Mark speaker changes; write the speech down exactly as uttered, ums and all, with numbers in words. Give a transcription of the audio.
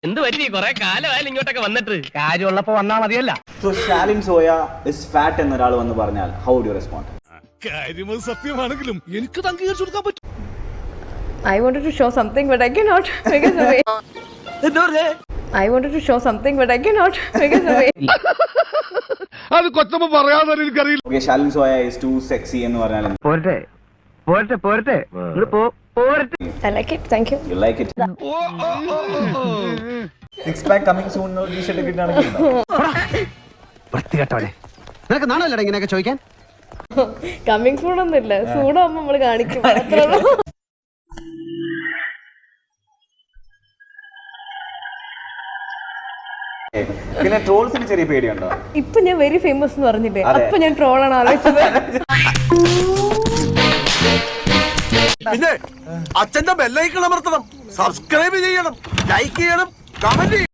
Speaker 1: എന്ത് പറ്റി കൊറേ കാലമായാലും ഇങ്ങോട്ടൊക്കെ വന്നിട്ട്
Speaker 2: കാര്യമുള്ളപ്പോ വന്നാ മതിയല്ല.
Speaker 3: So Shalin Soya is fat എന്ന് ഒരാൾ വന്ന് പറഞ്ഞാൽ how would you respond?
Speaker 4: കാര്യമത് സത്യമാണെങ്കിലും എനിക്ക് അംഗീകരിച്ചു കൊടുക്കാൻ പറ്റും.
Speaker 5: I wanted to show something but I cannot because of it. I wanted to show something but I cannot because of it.
Speaker 4: അത് കൊച്ചമ്മ പറയാതെ എനിക്കറിയില്ല.
Speaker 3: Okay, Shalin Soya is too sexy എന്ന് പറഞ്ഞാൽ
Speaker 2: പോരട്ടെ പോരട്ടെ പോരട്ടെ പോരട്ടെ.
Speaker 5: I like it. Thank you.
Speaker 3: you like it? Six pack coming soon എന്ന് ടീ-ഷർട്ട് കിട്ടാണെങ്കിൽ
Speaker 2: വൃത്തികെട്ടവനെ, നിനക്ക് നാണല്ലടാ ഇങ്ങനെയൊക്കെ ചോദിക്കാൻ?
Speaker 5: കമ്മിങ് സൂൺ ഒന്നുമില്ല, സൂണാകുമ്പോ നമ്മള് കാണിക്കും അത്രേ ഉള്ളൂ.
Speaker 3: പിന്നെ ട്രോൾസിന് ചെറിയ പേടിയുണ്ടോ?
Speaker 5: ഇപ്പൊ ഞാൻ വെരി ഫേമസ് എന്ന് പറഞ്ഞില്ലേ,
Speaker 3: അതെ.
Speaker 5: അപ്പൊ ഞാൻ ട്രോളാണ് ആലോചിച്ചത്.
Speaker 4: പിന്നെ അച്ഛന്റെ ബെല്ലൈക്കൺ അമർത്തണം, സബ്സ്ക്രൈബ് ചെയ്യണം, ലൈക്ക് ചെയ്യണം, കമന്റ് ചെയ്യണം.